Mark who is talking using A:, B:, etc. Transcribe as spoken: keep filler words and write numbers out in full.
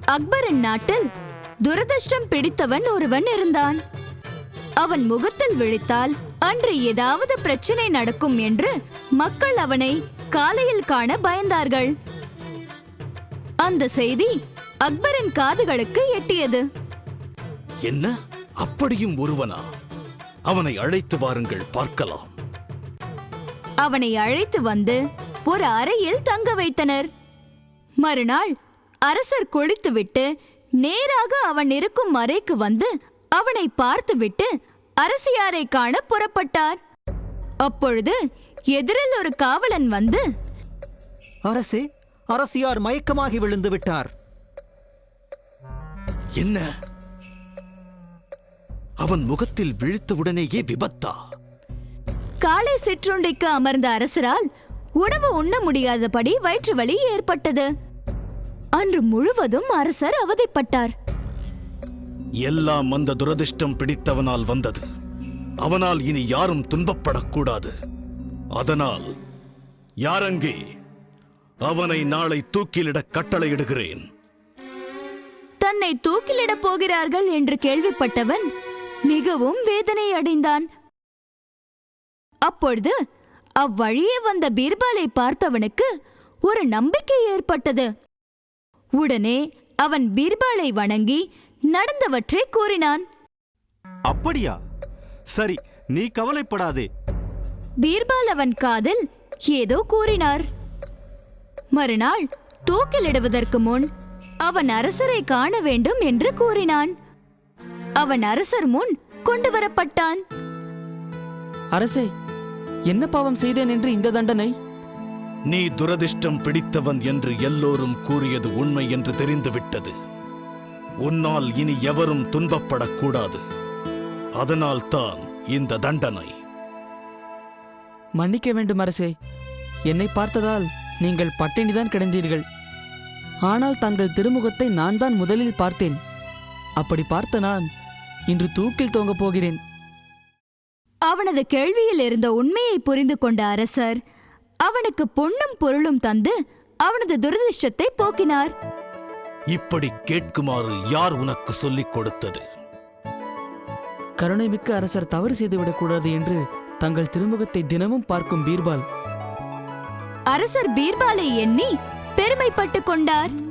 A: அக்பரின் நாட்டில் துரதிர்ஷ்டம் பிடித்தவன் ஒருவன் இருந்தான். அவன் முகத்தில் விழித்தால் அன்று ஏதாவது பிரச்சனை நடக்கும் என்று மக்கள் அவனை காலையில் காண பயந்தார்கள். அந்த செய்தி அக்பரின் காதுகளுக்கு எட்டியது.
B: என்ன, அப்படியும் ஒருவனா? அவனை அழைத்து வாருங்கள், பார்க்கலாம்.
A: அவனை அழைத்து வந்து ஒரு அறையில் தங்க வைத்தனர். மறுநாள் அரசர் குளித்துவிட்டு நேராக அவன் இருக்கும் அறைக்கு வந்து அவனை பார்த்துவிட்டு அரசியாரை காண புறப்பட்டார். அப்பொழுது எதிரில் ஒரு காவலன் வந்து,
C: அரசே, அரசியார் மயக்கமாகி விழுந்து விட்டார்.
B: என்ன, அவன் முகத்தில் விழித்தவுடனேயே விபத்தா?
A: காலை சிற்றுண்டிக்கு அமர்ந்த அரசரால் உணவு உண்ண முடியாதபடி வயிற்று வலி ஏற்பட்டது. அன்று முழுவதும் அரசர் அவதிப்பட்டார்.
B: எல்லாம் அந்த துரதிர்ஷ்டம் பிடித்தவனால் வந்தது. அவனால் இனி யாரும் துன்பப்படக்கூடாது. அதனால் யாரங்கே? அவனை நாளை தூக்கிலிட கட்டளையிடுகிறேன்.
A: தன்னை தூக்கிலிடப் போகிறார்கள் என்று கேள்விப்பட்டவன் மிகவும் வேதனை அடைந்தான். அப்பொழுது அவ்வழியே வந்த பீர்பாலை பார்த்தவனுக்கு ஒரு நம்பிக்கை ஏற்பட்டது. உடனே அவன் பீர்பாலை வணங்கி நடந்தவற்றை கூறினான்.
D: அப்படியா? சரி, நீ கவலைப்படாதே.
A: பீர்பால் அவன் காதில் ஏதோ கூறினார். மறுநாள் தூக்கிலிடுவதற்கு முன் அவன் அரசரை காண வேண்டும் என்று கூறினான். அவன் அரசர் முன் கொண்டு வரப்பட்டான்.
E: அரசே, என்ன பாவம் செய்தேன் என்று இந்த தண்டனை?
B: நீ துரதிர்ஷ்டம் பிடித்தவன் என்று எல்லோரும் கூறியது உண்மை என்று தெரிந்துவிட்டது. உன்னால் இனி எவரும் துன்பப்படக்கூடாது. அதனால் தான் இந்த தண்டனை.
E: மன்னிக்க வேண்டும் அரசே. என்னை பார்த்ததால் நீங்கள் பட்டினிதான் கிடந்தீர்கள். ஆனால் தங்கள் திருமுகத்தை நான் தான் முதலில் பார்த்தேன். அப்படி பார்த்த நான் இன்று தூக்கில் தொங்கப் போகிறேன்.
A: அவனது கேள்வியில் இருந்த உண்மையை புரிந்து கொண்ட அரசர் அவனுக்கு பொன்னும் பொருளும் தந்து அவனது துரதிர்ஷ்டத்தை போக்கினார்.
B: இப்படி கேட்குமாறு யார் உனக்கு சொல்லிக் கொடுத்தது?
E: கருணைமிக்க அரசர் தவறு செய்துவிடக்கூடாது என்று தங்கள் திருமுகத்தை தினமும் பார்க்கும் பீர்பால்.
A: அரசர் பீர்பாலை எண்ணி பெருமைப்பட்டுக் கொண்டார்.